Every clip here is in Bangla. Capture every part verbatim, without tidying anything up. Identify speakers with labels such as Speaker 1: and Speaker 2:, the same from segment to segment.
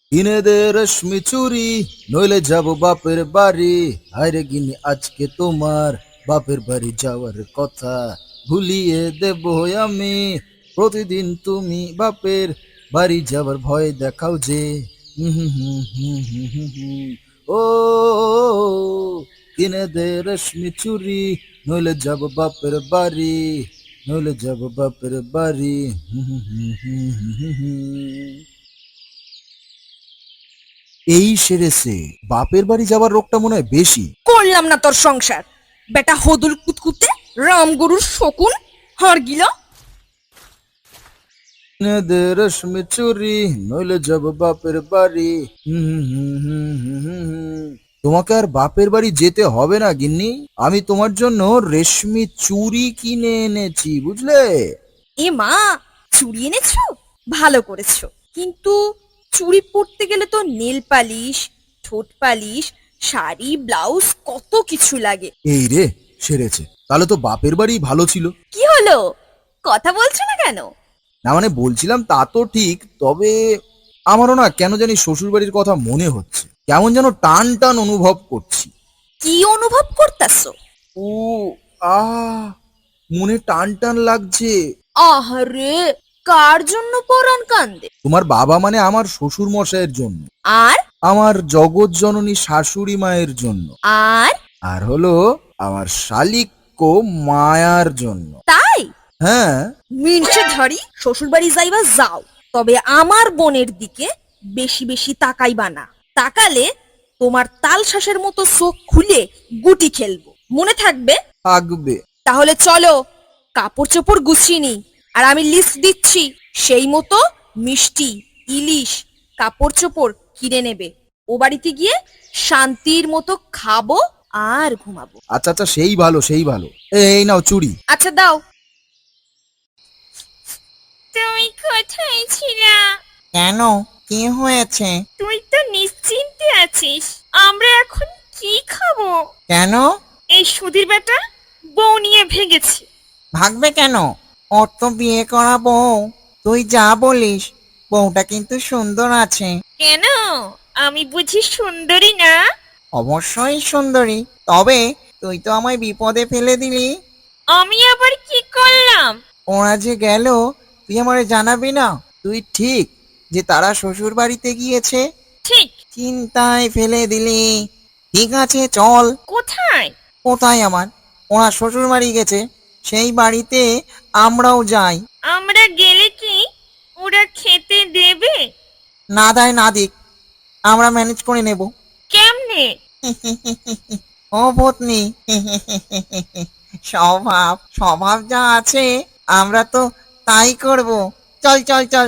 Speaker 1: কিনে দে রেশমি চুরি, নইলে যাব বাপের বাড়ি। হায়রে গিনি আজকে তোমার বাপের বাড়ি যাওয়ার কথা ভুলিয়ে দেব আমি। প্রতিদিন তুমি বাপের বাড়ি যাবার ভয় দেখাও যে। হুম হুম হুম হুম হুম হুম হুম। ও কিনে দে রেশমি চুরি, নইলে যাব বাপের বাড়ি, নইলে যাব বাপের বাড়ি। হুম হুম হুম হুম হুম হুম। এই সেরেছে, বাপের বাড়ি যাবার রোগটা মনে হয় বেশি।
Speaker 2: করলাম না তোর সংসার, বেটা হদুল কুতকুতে, রামগরুর শকুন, হার গিলা।
Speaker 1: কিনে দে রেশমি চুরি, নইলে যাব বাপের বাড়ি। হুম হুম হুম হুম হুম হুম হুম। তোমাকে আর বাপের বাড়ি যেতে হবে না গিন্নি, আমি তোমার জন্য রেশমি চুরি কিনে এনেছি, বুঝলে?
Speaker 2: এ মা, চুড়ি এনেছো? ভালো করেছো, কিন্তু চুড়ি পরতে গেলে তো নেল পালিশ, ঠোঁট পালিশ, শাড়ি, ব্লাউজ, কত কিছু লাগে।
Speaker 1: এই রে, সেরেছে, তাহলে তো বাপের বাড়ি ভালো ছিল।
Speaker 2: কি হলো, কথা বলছো না কেন?
Speaker 1: না মানে বলছিলাম তা তো ঠিক, তবে আমারও না কেন জানি শ্বশুর বাড়ির কথা মনে হচ্ছে, কেমন যেন টান টান অনুভব করছি।
Speaker 2: কি অনুভব করতাছো?
Speaker 1: ও, আ মনে টান টান লাগছে।
Speaker 2: আহারে, কার জন্য পরাণ কান্দে?
Speaker 1: তোমার বাবা মানে আমার শ্বশুর মশাইয়ের জন্য,
Speaker 2: আর
Speaker 1: আমার জগৎ জননী শাশুড়ি মায়ের জন্য,
Speaker 2: আর
Speaker 1: আর হলো আমার শালিক মায়ার জন্য।
Speaker 2: তাই?
Speaker 1: হ্যাঁ।
Speaker 2: মিনসে ধারি, শ্বশুর বাড়ি যাইবা যাও, তবে আমার বোনের দিকে বেশি বেশি তাকাইবা না। তাকালে তোমার তাল শ্বাসের মতো চোখ খুলে গুটি খেলবো, মনে থাকবে।
Speaker 1: থাকবে।
Speaker 2: তাহলে চলো, কাপড় চোপড় গুছিয়ে নি, আর আমি লিস্ট দিচ্ছি, সেই মতো মিষ্টি, ইলিশ, কাপড় চোপড় কিনে নেবে। ও বাড়িতে গিয়ে শান্তির মতো খাবো আর ঘুমাবো।
Speaker 1: আচ্ছা আচ্ছা, সেই ভালো সেই ভালো। এই নাও চুড়ি।
Speaker 2: আচ্ছা দাও। তুমি কোথায় ছিলা?
Speaker 3: কেন? কি হয়েছে?
Speaker 2: তুই তো নিশ্চিন্তে আছিস, আমরা এখন কি খাবো?
Speaker 3: কেন?
Speaker 2: এই সুধীর বেটা বউ নিয়ে ভেগেছে।
Speaker 3: ভাগবে কেন? ওর তো বিয়ে করা বউ। তুই যা বলিস, বউটা কিন্তু সুন্দর আছে।
Speaker 2: কেন, আমি বুঝি সুন্দরী না?
Speaker 3: অবশ্যই সুন্দরী, তবে তুই তো আমায় বিপদে ফেলে দিলি।
Speaker 2: আমি আবার কি করলাম?
Speaker 3: ওরা যে গেল, তুই আমারে জানাবি না? তুই ঠিক যে তারা শ্বশুর বাড়িতে গিয়েছে,
Speaker 2: ঠিক।
Speaker 3: চিন্তায় ফেলে দিলি। ঠিক আছে, চল।
Speaker 2: কোথায়?
Speaker 3: কোথায় আমার? ওরা শ্বশুর বাড়ি গেছে, সেই বাড়িতে আমরাও যাই।
Speaker 2: আমরা গেলে কি ওরা খেতে দেবে?
Speaker 3: না দেয় না দিক, আমরা ম্যানেজ করে নেব।
Speaker 2: কেমনে?
Speaker 3: ও পত্নী, স্বভাব স্বভাব যা আছে, আমরা তো তাই করব। চল চল চল।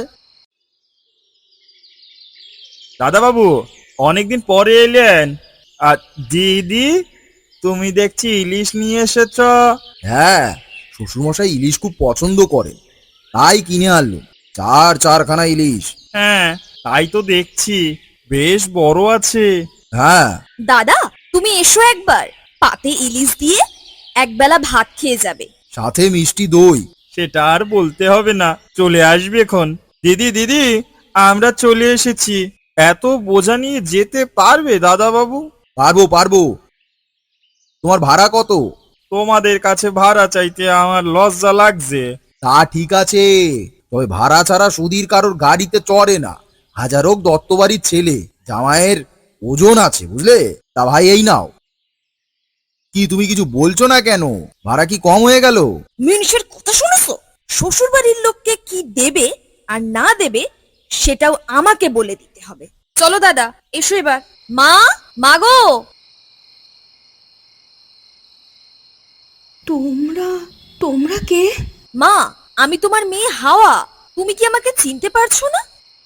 Speaker 4: দাদা বাবু, অনেকদিন পরে এলেন। আর দিদি, তুমি দেখছি ইলিশ নিয়ে এসেছ।
Speaker 1: হ্যাঁ, শ্বশুরমশাই ইলিশ খুব পছন্দ করেন, তাই কিনে আনলুম চার চারখানা ইলিশ।
Speaker 4: হ্যাঁ, তাই তো দেখছি, বেশ বড় আছে।
Speaker 1: হ্যাঁ।
Speaker 2: দাদা, তুমি এসো একবার, পাতে ইলিশ দিয়ে একবেলা ভাত খেয়ে যাবে।
Speaker 1: সাথে মিষ্টি দই।
Speaker 4: সেটা আর বলতে হবে না, চলে আসবে এখন। দিদি দিদি, আমরা চলে এসেছি। এত বোঝা নিয়ে যেতে পারবে দাদা বাবু?
Speaker 1: পারবো পারবো। তোমার ভাড়া কত?
Speaker 4: তোমাদের কাছে ভাড়া চাইতে আমার লজ্জা লাগছে।
Speaker 1: তা ঠিক আছে, তবে ভাড়া ছাড়া সুধীর কারোর গাড়িতে চড়ে না। হাজার হোক দত্তবাড়ির ছেলে, জামাইয়ের ওজন আছে, বুঝলে? তা ভাই এই নাও। কি তুমি কিছু বলছো না কেন? ভাড়া কি কম হয়ে গেল?
Speaker 2: মিনসের কথা শুনেছো? শ্বশুর বাড়ির লোককে কি দেবে আর না দেবে সেটাও আমাকে বলে দিতে হবে। চলো দাদা, এসো এবার। মা, মাগো।
Speaker 5: তোমরা তোমরা কে?
Speaker 2: মা, আমি তোমার মেয়ে হাওয়া। তুমি কি আমাকে চিনতে পারছো না?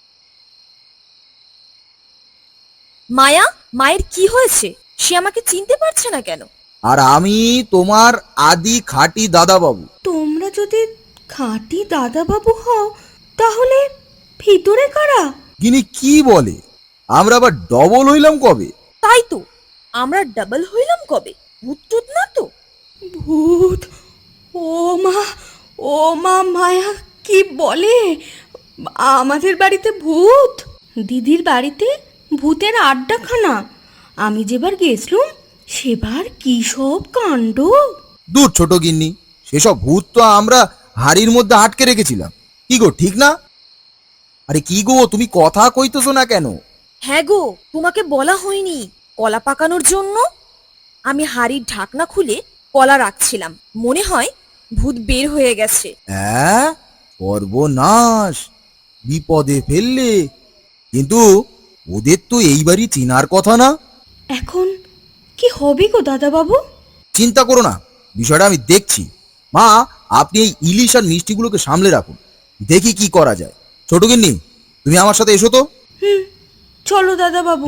Speaker 2: মায়া, মায়ের কি হয়েছে? সে আমাকে চিনতে পারছে না কেন?
Speaker 1: আর আমি তোমার আদি খাঁটি দাদা বাবু।
Speaker 5: তোমরা যদি খাঁটি দাদাবাবু হও, তাহলে ভিতরে কারা?
Speaker 1: যিনি কি বলে, আমরা আবার ডবল হইলাম কবে?
Speaker 2: তাই তো, আমরা ডাবল হইলাম কবে? ভূত টুত না তো?
Speaker 5: ভূত? ও মা, ও মা, মায়া কি বলে? আমাদের বাড়িতে ভূত? দিদির বাড়িতে ভূতের আড্ডাখানা। আমি যেবার গেছলুম সেবার কি সব কাণ্ড।
Speaker 1: দূর ছোট গিন্নি, সেসব ভূত তো আমরা হাড়ির মধ্যে আটকে রেখেছিলাম। কি গো, ঠিক না? আরে কি গো, তুমি কথা কইতেছো না কেন?
Speaker 2: হ্যাঁ গো, তোমাকে বলা হয়নি কলা পাকানোর জন্য আমি হাড়ির ঢাকনা খুলে কলা রাখছিলাম, মনে হয় ভূত বের হয়ে গেছে।
Speaker 1: হ্যাঁ, সর্বনাশ, বিপদে ফেললে। কিন্তু ওদের তো এইবারই চেনার কথা না।
Speaker 5: এখন কি হবে গো দাদাবাবু?
Speaker 1: চিন্তা করো না, বিষয়টা আমি দেখছি। মা, আপনি এই ইলিশ আর মিষ্টিগুলোকে সামলে রাখুন, দেখি কি করা যায়। ছোট গিন্নি, তুমি আমার সাথে এসো তো।
Speaker 5: হুম, চলো দাদাবাবু।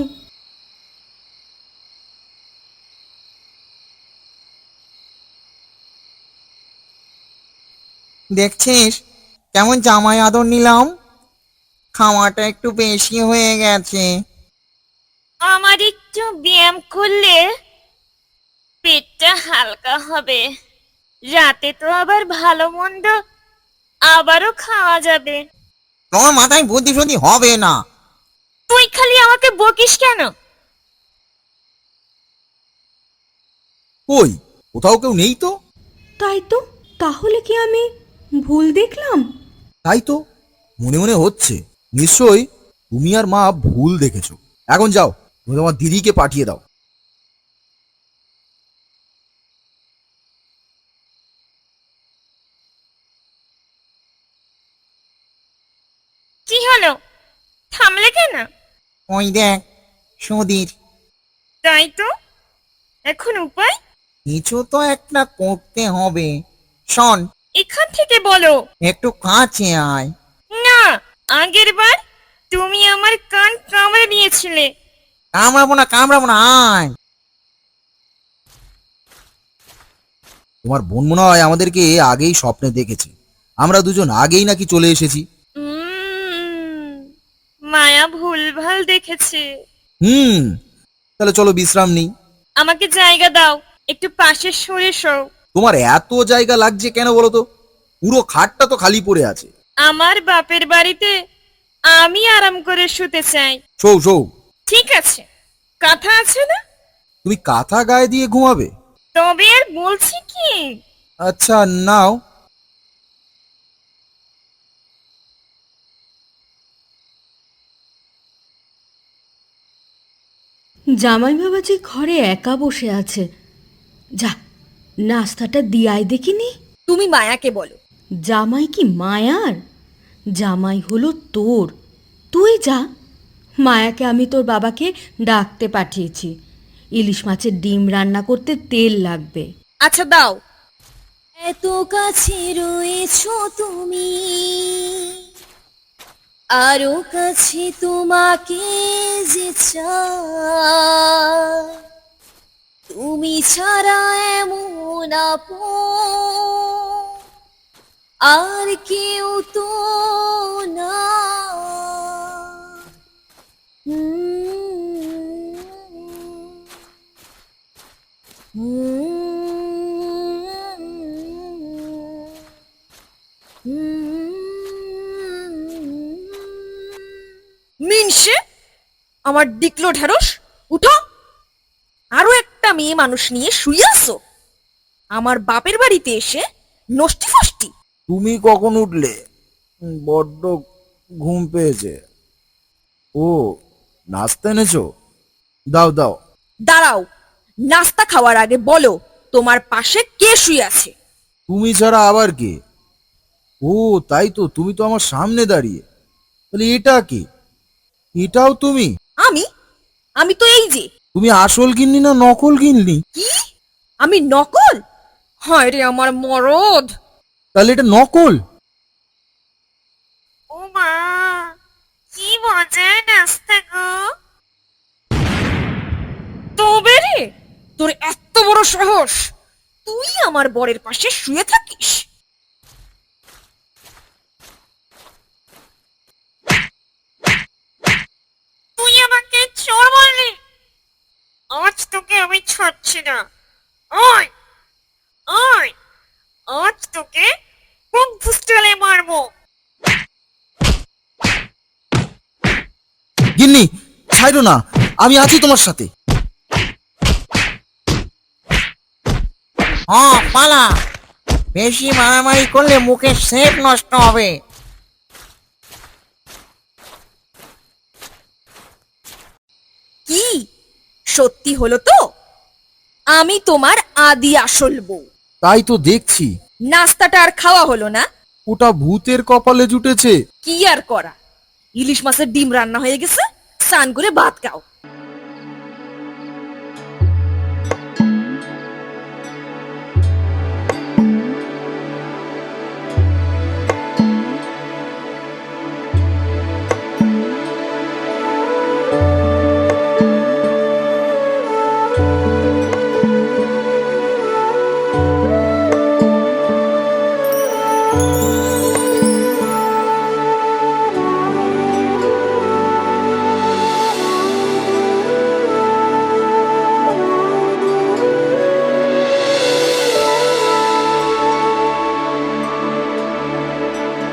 Speaker 3: দেখছিস কেমন জামাই আদর নিলাম? খাওয়াটা একটু বেশি হয়ে গেছে।
Speaker 6: আমার একটু ব্যায়াম করলে পেটটা হালকা হবে, রাতে তো আবার ভালো মন্দ আবারও খাওয়া যাবে।
Speaker 3: তোমার মাথায় বুদ্ধি শুদ্ধি হবে না।
Speaker 6: তুই খালি আমাকে বকিস কেন?
Speaker 1: কই, কোথাও কেউ নেই তো।
Speaker 5: তাই তো, তাহলে কি আমি ভুল দেখলাম?
Speaker 1: তাই তো মনে মনে হচ্ছে, নিশ্চয়ই তুমি আর মা ভুল দেখেছো। এখন যাও, তুমি তোমার দিদিকে পাঠিয়ে দাও।
Speaker 6: কি হলো, থামলে কেন?
Speaker 3: ওই দেখ সুধীর।
Speaker 6: তাই তো, এখন উপায়?
Speaker 3: কিছু তো একটা করতে হবে। শোন,
Speaker 6: এখান থেকে বলো।
Speaker 3: একটু কাছে আয়।
Speaker 6: না, আগের বার তুমি আমার কান কামড়ে নিয়েছিলে।
Speaker 3: কামড়াবো না, কামড়াবো না, আয়।
Speaker 1: তোমার বোন মনে হয় আমাদেরকে আগেই স্বপ্নে দেখেছে। আমরা দুজন আগেই নাকি চলে এসেছি।
Speaker 6: উম, মায়া ভুলভাল দেখেছে।
Speaker 1: হুম, তাহলে চলো বিশ্রাম নিই।
Speaker 6: আমাকে জায়গা দাও, একটু পাশে সরে শোও।
Speaker 1: তোমার এত জায়গা লাগছে কেন বলো তো? পুরো খাটটা তো খালি পড়ে আছে।
Speaker 6: আমার বাপের বাড়িতে আমি আরাম করে শুতে চাই।
Speaker 1: শোও শোও।
Speaker 6: ঠিক আছে, কথা আছে না?
Speaker 1: তুমি কাঁথা গায়ে দিয়ে ঘুমাবে?
Speaker 6: তবে আর বলছি কি,
Speaker 1: আচ্ছা, নাও।
Speaker 5: জামাই বাবা যে ঘরে একা বসে আছে, যা নাস্তাটা দিয়াই দেখিনি।
Speaker 2: তুমি মায়াকে বলো।
Speaker 5: জামাই কি মায়ার? জামাই হলো তোর। তুই যা, মায়াকে আমি তোর বাবাকে ডাকতে পাঠিয়েছি। ইলিশ মাছের ডিম রান্না করতে তেল লাগবে।
Speaker 2: আচ্ছা দাও। এত কাছে রয়েছো তুমি, আরো কাছে তোমাকে যে চাই, তুমি ছাড়া এমন আপন আর কেউ তো না। মিনসে, আমার ডিকলো ঢেড়স, উঠো। আরো একটা মেয়ে মানুষ নিয়ে শুয়ে আছো আমার বাপের বাড়িতে এসে নষ্টি ফষ্টি।
Speaker 1: তুমি কখন উঠলে? বড্ড ঘুম পেয়েছে। ও, নাস্তা এনেছো? দাও দাও।
Speaker 2: দাঁড়াও, নাস্তা খাওয়ার আগে বলো তোমার পাশে কে শুয়ে আছে?
Speaker 1: তুমি ছাড়া আবার কে? ও তাই তো, তুমি তো আমার সামনে দাঁড়িয়ে। তাহলে এটা কে? এটাও তুমি?
Speaker 2: আমি আমি তো এই যে।
Speaker 1: তুমি আসল গিন্নি না নকল গিন্নি?
Speaker 2: কি? আমি নকল? হায় রে আমার মরদ!
Speaker 1: তাহলে এটা নকল?
Speaker 6: ও মা, কি মজার নাস্তা গো।
Speaker 2: তবে রে, তোর এত বড় সাহস, তুই আমার বরের পাশে শুয়ে থাকিস?
Speaker 6: তুই আমাকে চোর বললি? আজ তোকে আমি ছাড়ছি না। ওই ওই, আজ তোকে খুব ফুসটালে মারবো।
Speaker 1: গিন্নি ছাইরো না, আমি আছি তোমার সাথে।
Speaker 3: হ পালা, বেশি মারামারি করলে মুখের শেপ নষ্ট হবে।
Speaker 2: কি সত্যি হলো তো? আমি তোমার আদি আসল বউ।
Speaker 1: তাই তো দেখছি।
Speaker 2: নাস্তাটা আর খাওয়া হলো না?
Speaker 1: ওটা ভূতের কপালে জুটেছে।
Speaker 2: কি আর করা, ইলিশ মাছের ডিম রান্না হয়ে গেছে, স্নান করে ভাত খাও।